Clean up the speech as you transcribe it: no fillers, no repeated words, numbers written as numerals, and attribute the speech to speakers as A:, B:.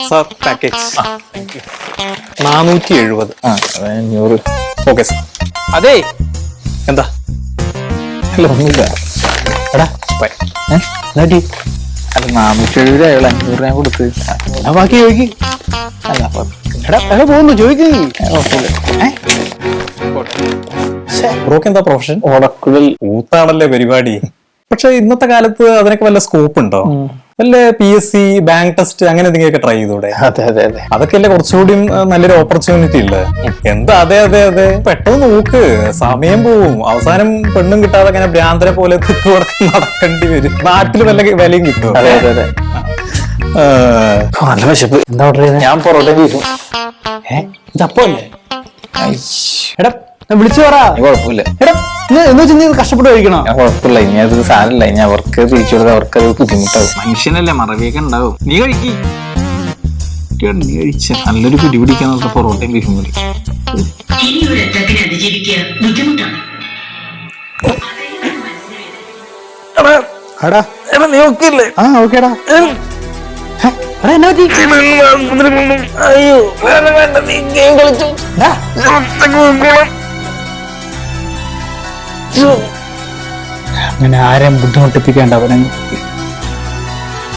A: Sir package 470.
B: 500.
A: Okay sir.
B: അതെ
A: എന്താ?
B: അല്ല ഒന്നുമില്ല. എടാ
A: ബൈ.
B: അല്ല 470 അയാൾ 500 ഞാൻ കൊടുത്ത്.
A: ബാക്കി ചോദിക്ക്.
B: അല്ല
A: എടാ പോകുന്നു ചോദിക്ക്.
B: കുഴപ്പമില്ല.
A: ബ്രോക്ക് എന്താ പ്രൊഫഷൻ?
B: ഓടക്കുഴൽ
A: ഊത്താണല്ലേ പരിപാടി. പക്ഷെ ഇന്നത്തെ കാലത്ത് അതിനൊക്കെ വല്ല സ്കോപ്പ് ഉണ്ടോ? വല്ല PSC ബാങ്ക് ടെസ്റ്റ് അങ്ങനെ എന്തെങ്കിലുമൊക്കെ ട്രൈ ചെയ്തൂടെ?
B: അതെ അതെ അതെ.
A: അതൊക്കെ അല്ലേ കുറച്ചുകൂടി നല്ലൊരു ഓപ്പർച്യൂണിറ്റി ഇല്ലേ? എന്താ? അതെ അതെ അതെ. പെട്ടെന്ന് നോക്ക്, സമയം പോവും. അവസാനം പെണ്ണും കിട്ടാതെ അങ്ങനെ ഭ്രാന്തരെ പോലെ തിക്കുവടക്കം നടക്കേണ്ടി വരും. നാട്ടിൽ വല്ല വിലയും കിട്ടും.
B: അതെ അതെ അതെ.
A: നല്ല വിശപ്പ്.
B: എന്താ ഓർഡർ ചെയ്തത്? ഞാൻ പൊറോട്ട ബീഫും.
A: ഇതപ്പല്ലേ? എടാ വിളിച്ചു പറ.
B: കുഴപ്പമില്ല.
A: എടാ എന്ന് വെച്ചാൽ നീ കഷ്ടപ്പെട്ട് കഴിക്കണോ?
B: ഞാൻ കുഴപ്പമില്ല. ഇനി അത് സാരമില്ല. ഇനി അവർക്ക് തിരിച്ചു കൊടുത്താൽ അവർക്ക് അത് ബുദ്ധിമുട്ടാവും. മനുഷ്യനല്ലേ, മറവിയൊക്കെ ഉണ്ടാവും. നീ കഴിക്കി. നീ കഴിച്ച നല്ലൊരു പിടി പിടിക്കാൻ പൊറോട്ടയും ബീഫും കൂടി.
A: നീ ഓക്കെയല്ലേ? ആ ഓക്കേടാ.
B: അങ്ങനെ ആരെയും ബുദ്ധിമുട്ടിപ്പിക്കേണ്ട അവനെ.